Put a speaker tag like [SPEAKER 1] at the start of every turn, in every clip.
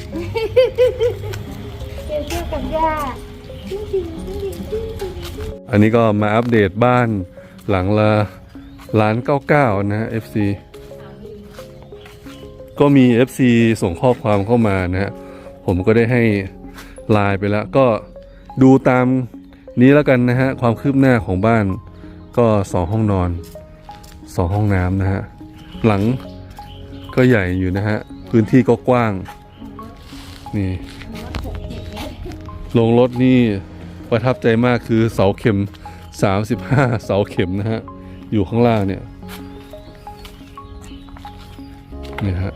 [SPEAKER 1] เกลเที่ยวกับย่า
[SPEAKER 2] อันนี้ก็มาอัปเดตบ้านหลังละ1,999,000นะ FC ก็มี FC ส่งข้อความเข้ามานะฮะผมก็ได้ให้ไลน์ไปแล้วก็ดูตามนี้แล้วกันนะฮะความคืบหน้าของบ้านก็2ห้องนอน2ห้องน้ำนะฮะหลังก็ใหญ่อยู่นะฮะพื้นที่ก็กว้างนี่ลงรถนี่ประทับใจมากคือเสาเข็ม35เสาเข็มนะฮะอยู่ข้างล่างเนี่ยนี่ฮะ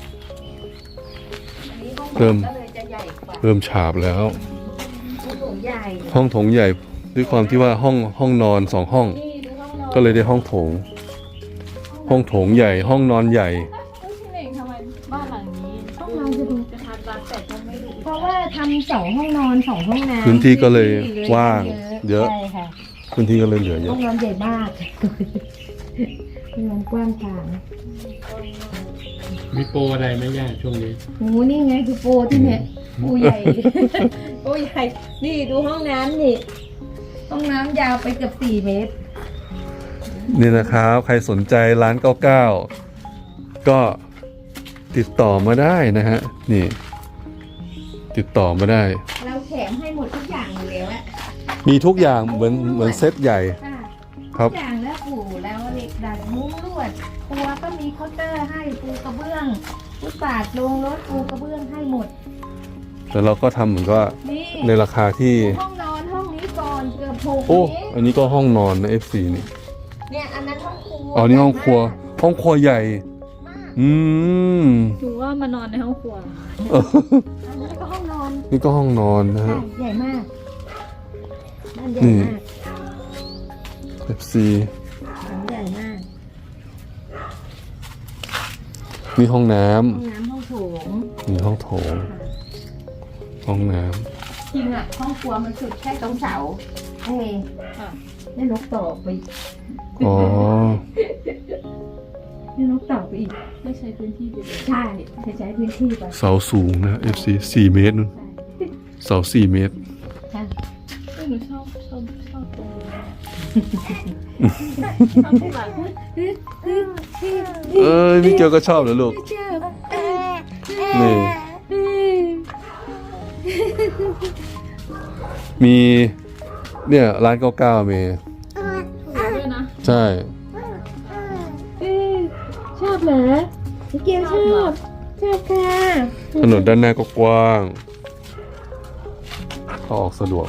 [SPEAKER 2] เริ่มฉาบแล้วห้องโถงใหญ่ด้วยความที่ว่าห้องนอน2ห้องก็เลยได้ห้องโถงใหญ่ห้องนอนใหญ่
[SPEAKER 3] ทำไมบ้านหลังนี้
[SPEAKER 1] ห้องนอนจะดู
[SPEAKER 3] จะทำรักแต่ก็ไม่รู้
[SPEAKER 1] เพราะว่าทำ2ห้องนอน2ห้องน้ำ
[SPEAKER 2] พื้นที่ก็เลยว่างเยอะ
[SPEAKER 1] ใช่ค่ะ
[SPEAKER 2] พื้นที่ก็เลยเหลือเย
[SPEAKER 1] ห้
[SPEAKER 2] อะ
[SPEAKER 1] องนอนใหญ่มากห้องนอนกว้างขวาง
[SPEAKER 4] มีโปรอะไรไหมย่าช่วงนี้
[SPEAKER 1] โอ้นี่ไงคือโปรที่เนี่ยโปรใหญ่ โปรใหญ่นี่ดูห้องน้ำนี่ห้องน้ำยาวไปเกือบ4 เมตร
[SPEAKER 2] นี่นะครับใครสนใจ1,999,000ก็ติดต่อมาได้นะฮะนี่ติดต่อมาได้
[SPEAKER 1] เราแถมให้หมดทุกอย่างอยู่แล้วอะ
[SPEAKER 2] มีทุกอย่างเหมือนเซตใหญ่
[SPEAKER 1] ค่ะ
[SPEAKER 2] ครับ
[SPEAKER 1] ทุกอย่างแล้วปู่แล้วเหล็กดัดมุ้งลวดครัวก็มีเคาน์เตอร์ให้ปูกระเบื้องฟุตบาทลงรถปูกระเบื้องให้หมด
[SPEAKER 2] แต่เราก็ทำเหมือนก็
[SPEAKER 1] นี่
[SPEAKER 2] ในราคาที่
[SPEAKER 1] ห้องนอนห้องนี้ก่อนเกือบ6
[SPEAKER 2] โอ้
[SPEAKER 1] เมตร
[SPEAKER 2] อันนี้ก็ห้องนอนนะ FC นี่
[SPEAKER 1] เนี่ยอันนั้นห้องครัว
[SPEAKER 2] อ๋อนี่ห้องครัวใหญ่
[SPEAKER 1] มาก
[SPEAKER 2] อืม
[SPEAKER 3] ถือว่ามานอนในห้องครัว
[SPEAKER 1] อันนี้ก็ห้องนอน
[SPEAKER 2] นี่ก็ห้องนอนนะ
[SPEAKER 1] ใช่
[SPEAKER 2] ฮะ
[SPEAKER 1] ใหญ่มากบ้านใหญ่
[SPEAKER 2] นี่
[SPEAKER 1] มาก
[SPEAKER 2] FC
[SPEAKER 1] บ้านใหญ่มาก
[SPEAKER 2] มีห้องน้
[SPEAKER 1] ห้องน้ำห้องโถง
[SPEAKER 2] ำมีห้องโถงห้องน้
[SPEAKER 1] จริงอะห้องครัวมันสุดแค่ตรงเสาเอ้ย
[SPEAKER 3] ค่ะ
[SPEAKER 1] นี่นกต่อไป
[SPEAKER 2] ำอ๋อ
[SPEAKER 1] นี่นกต่อไปอีก
[SPEAKER 3] ไม่ใช้พื้นที่ไปเลย
[SPEAKER 1] ใช่ใช้พื้นที่ไป
[SPEAKER 2] เสาสูงนะ FC 4 เมตรนู่นเสา4 เมตร
[SPEAKER 1] ใช่
[SPEAKER 3] หนูชอบตรงนี้ชอบที่หลัง
[SPEAKER 2] เอ้ยพี่เกียวก็ชอบเหรอลูก นี่ มีเนี่ย1,999,000เมย์
[SPEAKER 3] ด้วยนะ
[SPEAKER 2] ใช่
[SPEAKER 1] ชอบเหรอพี่เกียวชอบค่ะ
[SPEAKER 2] ถนนด้านหน้าก็กว้างเข้าออกสะดวก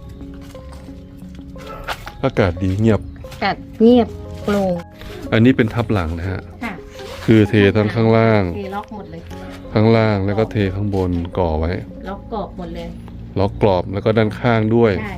[SPEAKER 2] อากาศดีเงียบ
[SPEAKER 1] กัดเงียบโปร่ง
[SPEAKER 2] อันนี้เป็นทับหลังนะฮะ
[SPEAKER 1] ค่ะ
[SPEAKER 2] คือเททั้งข้างล่าง
[SPEAKER 1] เทล็อกหมดเลย
[SPEAKER 2] ข้างล่างแล้วก็เทข้างบนก่อไว้
[SPEAKER 1] ล็อกกรอบหมดเลย
[SPEAKER 2] ล็อกกรอบแล้วก็ด้านข้างด้วย
[SPEAKER 1] ใช่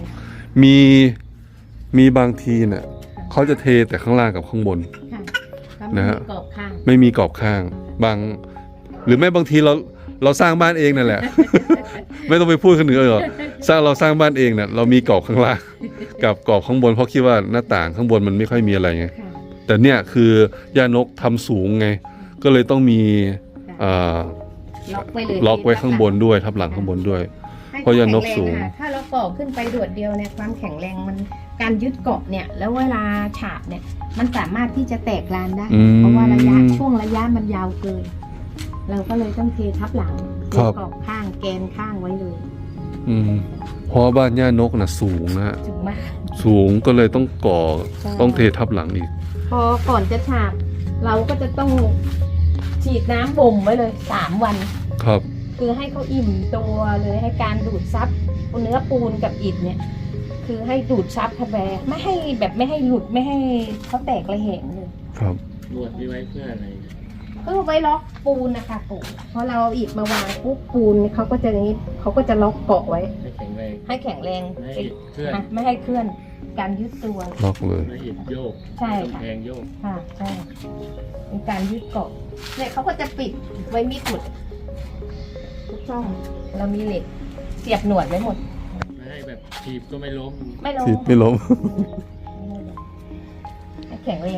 [SPEAKER 2] มีบางทีเนี่ยเขาจะเทแต่ข้างล่างกับข้างบน
[SPEAKER 1] ค่ะแล้ว
[SPEAKER 2] นะ
[SPEAKER 1] มี
[SPEAKER 2] ฮะ
[SPEAKER 1] กรอบข้าง
[SPEAKER 2] ไม่มีกรอบข้างบาง หรือไม่บางทีเราสร้างบ้านเองนั่นแหละ ไม่ต้องไปพูดคนอื่นหรอกเราสร้างบ้านเองเนี่ยเรามีกรอบข้างล่างกับกรอบข้างบนเพราะคิดว่าหน้าต่างข้างบนมันไม่ค่อยมีอะไรไง
[SPEAKER 1] ค่ะ
[SPEAKER 2] แต่เนี่ยคือย่านกทำสูงไง ก็เลยต้องมี
[SPEAKER 1] ล็อกไว้เลย
[SPEAKER 2] ล็อกไว้ข้างบนด้วยทับหลังข้างบนด้วย
[SPEAKER 1] ให้
[SPEAKER 2] เพราะย่านกสูง
[SPEAKER 1] แข็แรค่ะถ้าเราก่อขึ้นไปโดดเดียวเนี่ยความแข็งแรงมันการยึดเกาะเนี่ยแล้วเวลาฉาบเนี่ยมันสามารถที่จะแตกลานได้
[SPEAKER 2] อืม
[SPEAKER 1] เพราะว่าช่วงระยะมันยาวเกิน เราก็เลยต้องเททับหลังเท
[SPEAKER 2] ครับ
[SPEAKER 1] กรอบข้างแกนข้างไว้เลย
[SPEAKER 2] อืมเพราะบ้านย่านกน่ะสูงนะฮะ
[SPEAKER 1] ถึงมาก
[SPEAKER 2] สูงก็เลยต้องก่อ
[SPEAKER 1] ใช่
[SPEAKER 2] ต้องเททับหลังอีก
[SPEAKER 1] พอก่อนจะฉาบเราก็จะต้องฉีดน้ำบ่มไว้เลย3 วัน
[SPEAKER 2] ครับ
[SPEAKER 1] คือให้เขาอิ่มตัวเลยให้การดูดซับเนื้อปูนกับอิฐเนี่ย คือให้ดูดซับเข้าไปไม่ให้หลุดไม่ให้เขาแตกระเหงเลย
[SPEAKER 2] ครับ
[SPEAKER 4] นวดนี่ไว้เพื่ออะไร
[SPEAKER 1] เพื่อไว้ล็อกปูนนะคะปูพอเราเอาอิฐมาวางปุ๊บปูนเขาก็จะอย่างนี้เขาก็จะล็อกเกาะไว้
[SPEAKER 4] ให้แข็งแรง
[SPEAKER 1] ให้แข็งแรง
[SPEAKER 4] ไม่ให้เคลื่อน
[SPEAKER 1] ไม่ให้เคลื่อนการยึดตัว
[SPEAKER 2] ล็อกเลย
[SPEAKER 4] ไม่ให้อิฐโยก
[SPEAKER 1] ใช่ค่ะ
[SPEAKER 4] กำแพงโยก
[SPEAKER 1] ค่ะใช่เป็นการยึดเกาะเนี่ยเขาก็จะปิดไว้มิดหมดทุกช่องเรามีเหล็กเสียบหนวดไว้หมด
[SPEAKER 4] ไม่ให้แบบถีบก็ไม่ล้ม
[SPEAKER 1] ไม่ลง
[SPEAKER 2] ทิศไม่ล้ม
[SPEAKER 1] ให้แข็งแรง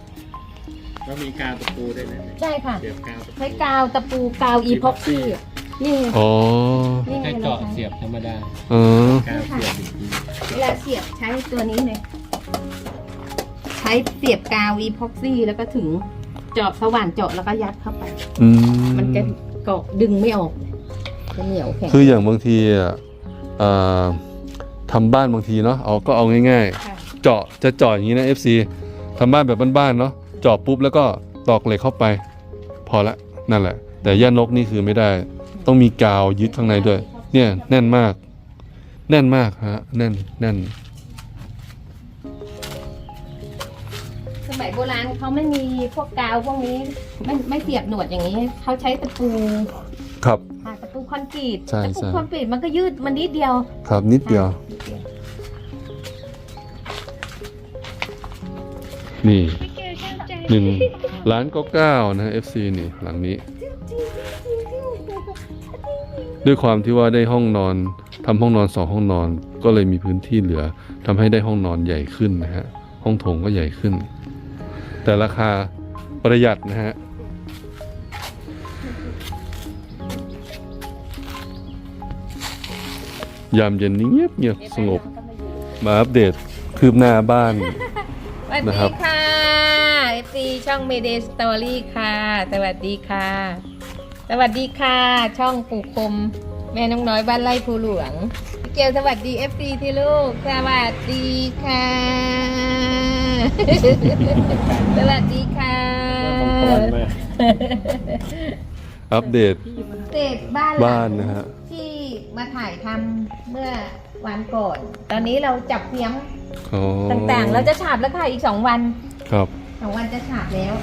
[SPEAKER 4] แล้วมีกาวตะปูด้วยนะ
[SPEAKER 1] ใช่ค่ะ
[SPEAKER 4] เสียบกาวตะปู
[SPEAKER 1] ใช้กาวตะปูกาวอีพ็อกซี่นี่ไง
[SPEAKER 2] อ๋อ
[SPEAKER 1] นี่ไง
[SPEAKER 4] แค่
[SPEAKER 1] เรา
[SPEAKER 4] เจาะเสียบธรรมดา
[SPEAKER 2] อ๋อ
[SPEAKER 4] การเสียบอีกที
[SPEAKER 1] เวลาเสียบใช้ตัวนี้เลยใช้เสียบกาวอีพ็อกซี่แล้วก็ถึงเจาะสว่านเจาะแล้วก็ยัดเข้าไป
[SPEAKER 2] อืม
[SPEAKER 1] มันจะเกาะดึงไม่ออกจะเหนียวแข็ง
[SPEAKER 2] คืออย่างบางทีอ่ะทำบ้านบางทีเนาะก็เอาง่าย
[SPEAKER 1] ค่ะ
[SPEAKER 2] ๆ เจาะอย่างนี้นะ FC ทำบ้านแบบบ้านๆเนาะเจาะปุ๊บแล้วก็ตอกเหล็กเข้าไป พอละนั่นแหละ แต่ย่านกนี่คือไม่ได้ ต้องมีกาวยึดข้างในด้วย เนี่ยแน่นมาก แน่นมากฮะแน่น
[SPEAKER 1] สมัยโบราณเขาไม่มีพวกกาวพวกนี้ไม่เสียบหนวดอย่างนี้เขาใช้ตะปู
[SPEAKER 2] ครับ
[SPEAKER 1] ค่ะตะปูคอนกรีต
[SPEAKER 2] ใช่
[SPEAKER 1] ตะปู
[SPEAKER 2] ใช่
[SPEAKER 1] คอนกรีตมันก็ยืดมันนิดเดียว
[SPEAKER 2] ครับนิดเดียว นี่1,999,000นะ FC นี่หลังนี้ ด้วยความที่ว่าได้ห้องนอนทำห้องนอน2ห้องนอน ก็เลยมีพื้นที่เหลือทำให้ได้ห้องนอนใหญ่ขึ้นนะฮะห้องโถงก็ใหญ่ขึ้น แต่ราคาประหยัดนะฮะยามเย็นนี้เงียบสงบมาอัปเดตคืบหน้าบ้าน
[SPEAKER 1] สวัส
[SPEAKER 2] นะ
[SPEAKER 1] ดี
[SPEAKER 2] ครับ
[SPEAKER 1] ค่ะ FC ช่อง Mayday Story ค่ะ สวัสดีค่ะ สวัสดีค่ะ ช่องปู่คม แม่น้องน้อยบ้านไร่ภูหลวงพี่เกลสวัสดี FC ที่ลูก สวัสดีค่ะ สวัสดีค่ะ
[SPEAKER 4] ต้องป้อนมา
[SPEAKER 2] อัปเดต
[SPEAKER 1] เศษบ้านหลัง
[SPEAKER 2] บ้านนะฮะ
[SPEAKER 1] ที่มาถ่ายทำเมื่อวันก่อน ตอนนี้เราจับเพียง
[SPEAKER 2] อ๋อ
[SPEAKER 1] ต่างๆ เราจะฉาบแล้วค่ะอีก2 วัน
[SPEAKER 2] ครับ
[SPEAKER 1] 2 วันจะฉาบแล้ว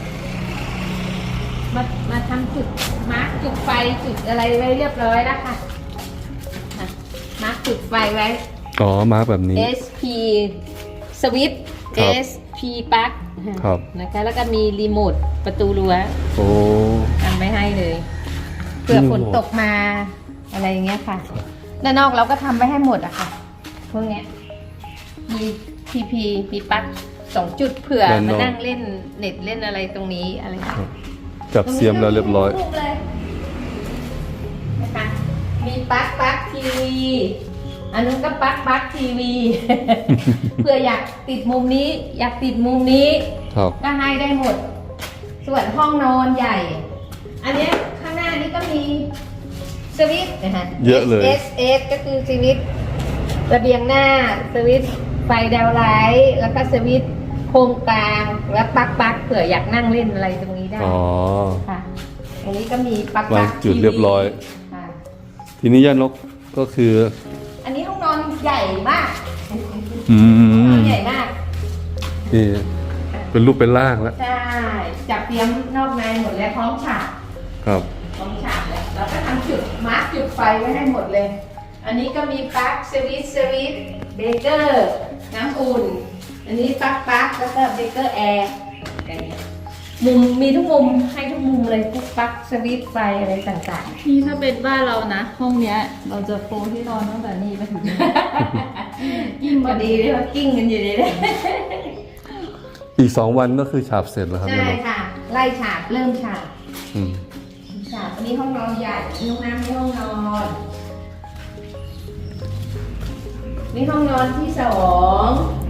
[SPEAKER 1] มาทำจุดมาร์กจุดไฟจุดอะไรไว้เรียบร้อยแล้วค่ะอ่ะมาร์กจุดไฟไว้
[SPEAKER 2] อ๋อมาร์กแบบนี้
[SPEAKER 1] SP สวิตช์
[SPEAKER 2] ครับ
[SPEAKER 1] SP ปลั๊ก
[SPEAKER 2] ครับ
[SPEAKER 1] นะคะ แล้วก็มีรีโมทประตูรั้ว
[SPEAKER 2] โอ้
[SPEAKER 1] ทำไว้ให้เลยเผื่อฝนตกมาอะไรอย่างเงี้ยค่ะด้านนอกเราก็ทำไว้ให้หมดอะค่ะพวกเนี้ยมี TP มีปลั๊ก2 จุดเผื่อมานั่งเล่นเน็ตเล่นอะไรตรงนี้อะไรอย่างเงี้ย
[SPEAKER 2] จับเสียมแล้วเรียบร้อย
[SPEAKER 1] ตงนี้ก็มีลูกเลยนะคะมีปลั๊กทีวีอันนู้นก็ปลั๊กทีวี เพื่ออยากติดมุมนี้ อยากติดมุมนี้
[SPEAKER 2] ครับ
[SPEAKER 1] ก็ให้ได้หมด ส่วนห้องนอนใหญ่ อันเนี้ยข้างหน้านี้ก็มีสวิตช์นะคะ
[SPEAKER 2] เยอะเลย
[SPEAKER 1] S ก็คือสวิตช์ระเบียงหน้าสวิตช์ไฟดาวไลท์แล้วก็สวิตช์โคมกลางแล้วปลั๊กเผื่ออยากนั่งเล่นอะไรตรงนี้ได้
[SPEAKER 2] อ๋อ
[SPEAKER 1] ค่ะตรงนี้ก็มีปลั๊ก
[SPEAKER 2] วางจุดเรียบร้อย
[SPEAKER 1] ค่ะ
[SPEAKER 2] ทีนี้ย่านกก็คือ
[SPEAKER 1] อันนี้ห้องนอนใหญ่มาก
[SPEAKER 2] อื
[SPEAKER 1] ห้องน
[SPEAKER 2] ม
[SPEAKER 1] อนใหญ่มาก
[SPEAKER 2] นี่เป็นรูปเป็นร่างแล้ว
[SPEAKER 1] ใช่จับเตรียมนอกในหมดแล้วพร้อมฉาก
[SPEAKER 2] ครับ
[SPEAKER 1] พร้อมฉากแล้วเราก็ทำจุดมาร์กจุดไฟไว้ให้หมดเลย อันนี้ก็มีปลั๊กสวิตช์เบเกอร์น้ำอุ่น อันนี้ปลั๊กแล้วก็เบเกอร์แอร์มุมมีทุกมุมให้ทุกมุมเลยทุกปลั๊กสวิตช์ไฟอะไรต่าง
[SPEAKER 3] นี่ถ้าเป็นบ้านเรานะ ห้องเนี้ย เราจะโปรที่นอนตั้งแต่นี่ไปถึงนี่
[SPEAKER 1] ๆ ยิ่งพอดีเลยว่ากิ้งกันอยู่เลยนะ
[SPEAKER 2] อีก2 วันก็คือฉาบเสร็จแล้วครับ
[SPEAKER 1] ใช่
[SPEAKER 2] ย่านก
[SPEAKER 1] ค่ะ ไล่ฉากเริ่มฉาก
[SPEAKER 2] อืม
[SPEAKER 1] ฉากอันนี้ห้องนอนใหญ่นี่ห้องน้ำนี่ห้องนอนนี่ห้องนอนที่2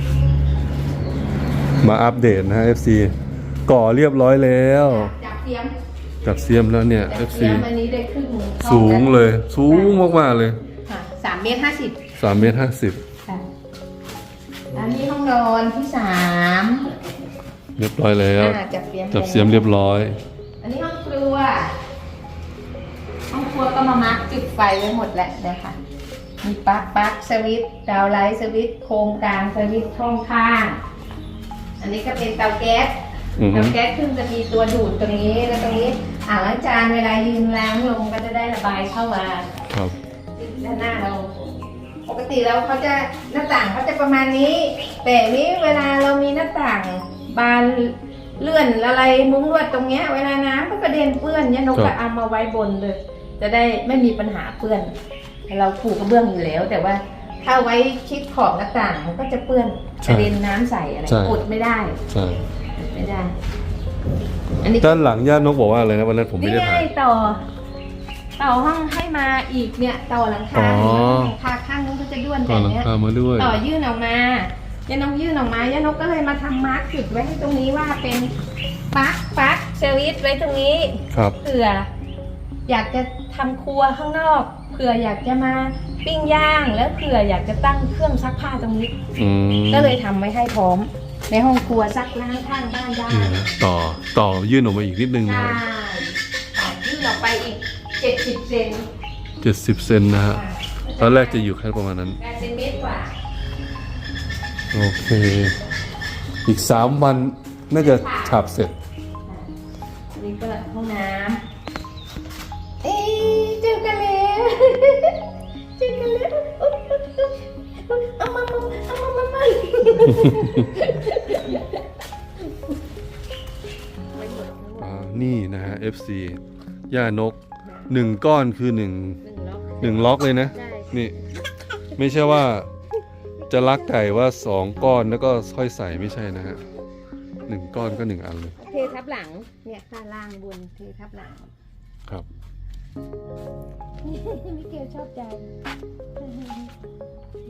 [SPEAKER 2] มาอัปเดตนะฮะ FC ก่อเรียบร้อยแล้ว
[SPEAKER 1] จับเตรียม
[SPEAKER 2] จับเสียมแล้วเนี่ย
[SPEAKER 1] จับ
[SPEAKER 2] FC
[SPEAKER 1] เตรียมอันนี้ได้ครึ่งห้อ
[SPEAKER 2] สูง
[SPEAKER 1] แว
[SPEAKER 2] เลย สูงมากๆเลย
[SPEAKER 1] ค่ะ3.50 เมตร
[SPEAKER 2] 3.50 เมตร
[SPEAKER 1] ค่ะอันนี้ห้องนอนที่3
[SPEAKER 2] เรียบร้อยแล้ว
[SPEAKER 1] จับเตรียม
[SPEAKER 2] จับเสียมเรียบร้อย
[SPEAKER 1] อันนี้ห้องครัว ห้องครัวก็มามาร์กจุดไฟไว้หมดแล้วนะคะมีปลั๊กสวิตช์ดาวไลท์สวิตช์โคมกลางสวิตช์ช่องข้าง อันนี้ก็เป็นเตาแก๊ส
[SPEAKER 2] อือฮึ
[SPEAKER 1] เตาแก๊สขึ้นจะมีตัวดูดตรงนี้แล้วตรงนี้อ่างล้างจานเวลายืนล้างลงก็จะได้ระบายเข้ามา
[SPEAKER 2] ครับ
[SPEAKER 1] ด้านหน้าเรา ปกติแล้วเขาจะหน้าต่างเขาจะประมาณนี้ แต่นี้เวลาเรามีหน้าต่างบานเลื่อนอะไรมุ้งลวดตรงเนี้ยเวลาน้ำก็กระเด็นเปื้อนเนี่ยนก
[SPEAKER 2] ครั
[SPEAKER 1] ก็
[SPEAKER 2] บ
[SPEAKER 1] เอามาไว้บนเลย จะได้ไม่มีปัญหาเปื้อน เราผูกกระเบื้องอยู่แล้ว แต่ว่าถ้าไว้ชิดขอบหน้าต่างมันก็จะเปื้อนกระเด็นน้ำใส่อะไร
[SPEAKER 2] ใช่
[SPEAKER 1] กดไม่ได้
[SPEAKER 2] ใช่
[SPEAKER 1] กดไม่ได้ อันนี้
[SPEAKER 2] ด้านหลังย่านกบอกว่าอะไรนะวันนั้นผมไม่
[SPEAKER 1] นี่
[SPEAKER 2] ได้
[SPEAKER 1] ไง
[SPEAKER 2] ถ่าย
[SPEAKER 1] ต่อต่อห้องให้มาอีกเนี่ยต่อหลังคา
[SPEAKER 2] อ๋อ
[SPEAKER 1] หลังคาข้างนู้นก็จะด้วน
[SPEAKER 2] ก่
[SPEAKER 1] แบ
[SPEAKER 2] อน
[SPEAKER 1] บ
[SPEAKER 2] หลัง
[SPEAKER 1] เนี้ย
[SPEAKER 2] คามาด้วย
[SPEAKER 1] ต่อยื่นออกมาย่านกยื่นออกมาย่านกก็เลยมาทำมาร์กจุดไว้ให้ตรงนี้ว่าเป็นปลั๊กเซอร์วิสไว้ตรงนี้
[SPEAKER 2] ครับ
[SPEAKER 1] เผื่ออยากจะทำครัวข้างนอกเผื่ออยากจะมาปิ้งย่างแล้วเผื่ออยากจะตั้งเครื่องซักผ้าตรงนี้
[SPEAKER 2] อืม
[SPEAKER 1] ก็เลยทำไว้ให้พร้อม ในห้องครัวซักล้างข้างบ้านได้
[SPEAKER 2] นี่นะต่อยื่นออกมาอีกนิดนึงนะ
[SPEAKER 1] ใช่
[SPEAKER 2] ครับ
[SPEAKER 1] ยื่นออกไปอีก70 เซน
[SPEAKER 2] 70 เซนนะฮะตอนแรกจะอยู่แค่ประมาณนั้น
[SPEAKER 1] 80 เมตรกว่า
[SPEAKER 2] โอเค อีก 3 วันน่าจะฉาบเสร็จ
[SPEAKER 1] อันนี้ก็ห้องน้ำเอ๊ะเจอกันแล้วเจอกันแล้วเอามา
[SPEAKER 2] นี่นะฮะ FC ย่านก 1 ก้อนคือ1ล็อกเลยนะ
[SPEAKER 1] ใช่
[SPEAKER 2] นี่ ไม่ใช่ว่าจะลักไก่ว่า 2 ก้อนแล้วก็ค่อยใส่ไม่ใช่นะฮะ 1 ก้อนก็ 1 อันเลย
[SPEAKER 1] เททับหลังเนี่ยข้างล่างบนเททับหลัง
[SPEAKER 2] ครับ
[SPEAKER 1] มิเกลชอบใจ